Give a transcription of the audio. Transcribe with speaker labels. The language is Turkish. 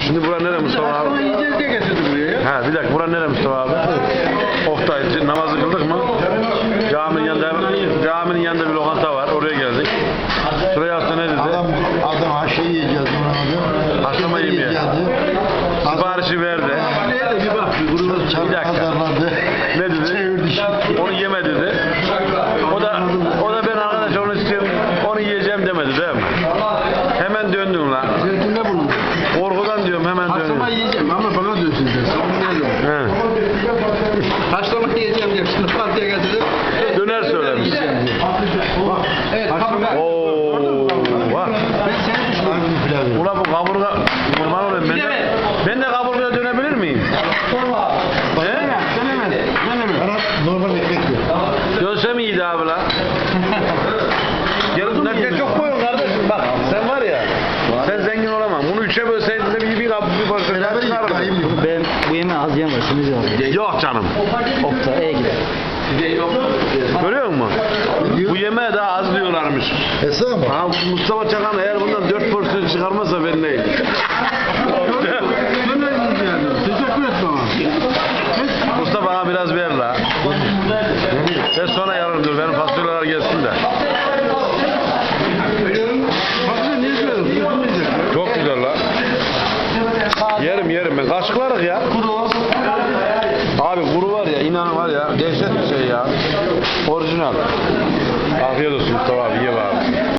Speaker 1: Şimdi bura nere Mustafa abi?
Speaker 2: Akşama yiyeceğiz diye getirdim buraya ya.
Speaker 1: Ha bir dakika bura nere Mustafa abi? Oktay namazı kıldık mı? Caminin yanında bir lokanta var. Oraya geldik. Şuraya hasta ne dedi?
Speaker 3: Adam haşa yiyeceğiz ona abi.
Speaker 1: Haşlama yemeye. Siparişi verdi.
Speaker 2: Bir bak.
Speaker 1: Bir dakika. Ne dedi? Onu yeme dedi. O da ben arkadaş onu istiyorum. Onu yiyeceğim demedi değil mi? Hemen döndün lan.
Speaker 2: Zeytinde bulundum.
Speaker 1: Korkudan diyorum hemen döndün.
Speaker 2: Haşlama yiyeceğim ama bana dönsün dersin.
Speaker 1: He.
Speaker 2: Haşlama yiyeceğim diye şimdi partiye getirdim.
Speaker 1: Döner söylemiş.
Speaker 2: Evet, kaburga.
Speaker 1: Oo, bak.
Speaker 2: Ben seni düşünüyorum.
Speaker 1: Ulan bu kaburga kurban olayım ben de kaburgaya dönebilir miyim?
Speaker 2: Denemez.
Speaker 3: Normal ekmek yok.
Speaker 1: Dönsem iyiydi abi lan. Yarın nakliye çok koyun kardeşim bak sen var ya sen zengin olamam. Bunu üçe bölseydin de bir parça
Speaker 3: Beraber
Speaker 1: çıkardım.
Speaker 4: Ben bu yemeği az yiyemem. Şimdi yiyeceğim.
Speaker 1: Yok canım.
Speaker 4: Oktay'a gider.
Speaker 1: Görüyor musun? Bu yemeğe daha az diyorlarmış.
Speaker 3: Esra mı?
Speaker 1: Ha, Mustafa Çakan eğer bundan 4 porsiyon çıkarmazsa ben neyim?
Speaker 2: Teşekkür et bana.
Speaker 1: Mustafa bana biraz ver la. Ben sonra yarın dur benim fasulyeler gelsin de.
Speaker 2: Fasulye niye söylüyorsun?
Speaker 1: Çok güzel la. Yerim ben. Kaşıklarız ya.
Speaker 2: Kuru.
Speaker 1: Abi kuru var ya inan var ya dehşet bir şey ya. Orijinal. Afiyet olsun Mustafa abi ye abi.